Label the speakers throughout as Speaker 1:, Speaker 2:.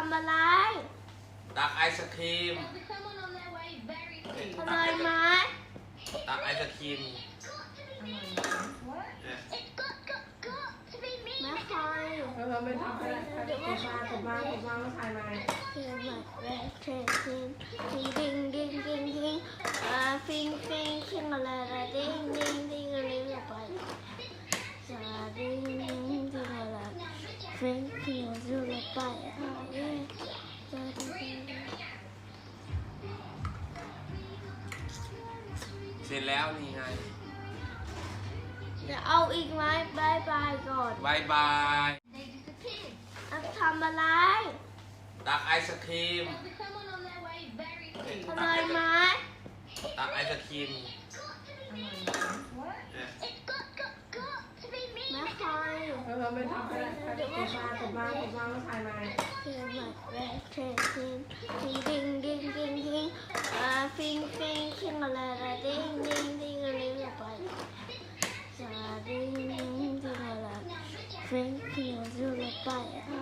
Speaker 1: ำอะไร
Speaker 2: ตักไอศครีม
Speaker 1: อร่อยไหม
Speaker 2: ตักไอศครีม
Speaker 1: ไม่คอย
Speaker 3: ไม่ทำอะไรผมมาว่าถ่ายมา
Speaker 1: เพียงแบบแรกเทคิมดิ้งดิ้งดิ้งดิ้งฟิงฟิงคิงอะไรดิ้งดิ้งดิ้งอะไรไปดิ้งดิ้งดิ้งอะไรฟิงฟิงอะไรไป
Speaker 2: เสร็จแล้วนี่ไง
Speaker 1: จะเอาอีกไหมบายบายก่อน
Speaker 2: บายบาย
Speaker 1: ทำอะไร
Speaker 2: ตักไอศครีม
Speaker 1: อร่อยไหม
Speaker 2: ตักไอศครีม
Speaker 1: ไม่คอย
Speaker 3: ไม่ทำอะไรผมมาว่าถ่ายมา
Speaker 1: เพียงแบบแรกเทคิมดิ้งดิ้งดิ้งดิ้งฟิงฟิงคิงอะไรดิ้งดิ้งดิ้งอะไรไปดิ้งดิ้งดิ้งอะไรฟิงฟิงอะไรไป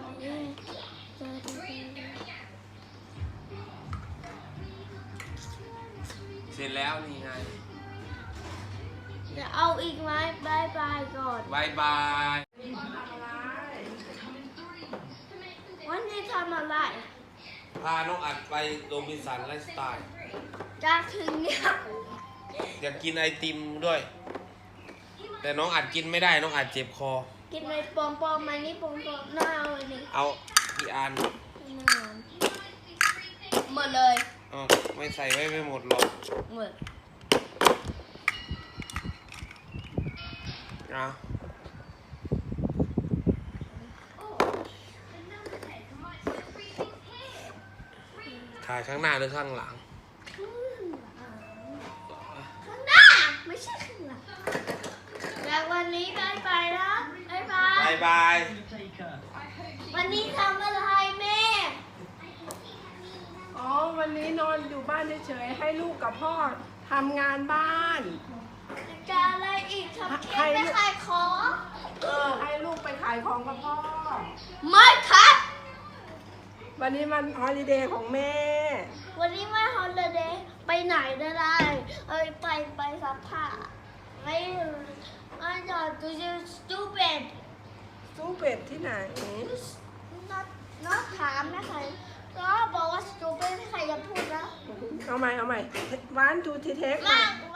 Speaker 2: เสร็จแล้วนี่ไง
Speaker 1: จะเอาอีกไหมบายบายก่อน
Speaker 2: บายบาย
Speaker 1: วันนี้ทำอะไร
Speaker 2: พาน้องอัดไปโรบินสันไลฟ์สไตล์
Speaker 1: จะถึงเนี่ย
Speaker 2: อยากกินไอติมด้วย แต่น้องอัดกินไม่ได้น้องอัดเจ็บคอ
Speaker 1: กินไปปอมๆมานี่ปอมๆน่าเอาอันนี้
Speaker 2: เอากี่อัน
Speaker 1: หมดเลย
Speaker 2: ไม่ใส่ไว้ไม่หมดหรอก
Speaker 1: หมด
Speaker 2: ถ่ายข้างหน้าหรือข้างหลัง
Speaker 1: ข้างหน้าไม่ใช่ข้างหลังแล้ววันนี้บายบายนะบายบาย
Speaker 2: บายบาย
Speaker 1: วันนี้ทำอะไรแม่
Speaker 3: วันนี้นอนอยู่บ้านเฉยๆให้ลูกกับพ่อทำงานบ้าน
Speaker 1: จะอะไรอีกทำเค้กไม่ขายของ
Speaker 3: ให้ลูกไปขายของกับพ่อ
Speaker 1: ไม่ครับ
Speaker 3: วันนี้มันฮอลิเดย์ของแม่
Speaker 1: วันนี้ไม่ฮอลลีเดย์ไปไหนได้ไปซักผ้าไม่จอดดูจะ stupid
Speaker 3: สู้เป็ดที่ไหน
Speaker 1: not ถามนะใครก็บอกว่า stupid ใครจะพูดนะ
Speaker 3: เอาใหม่วันทูทีเทค
Speaker 1: มา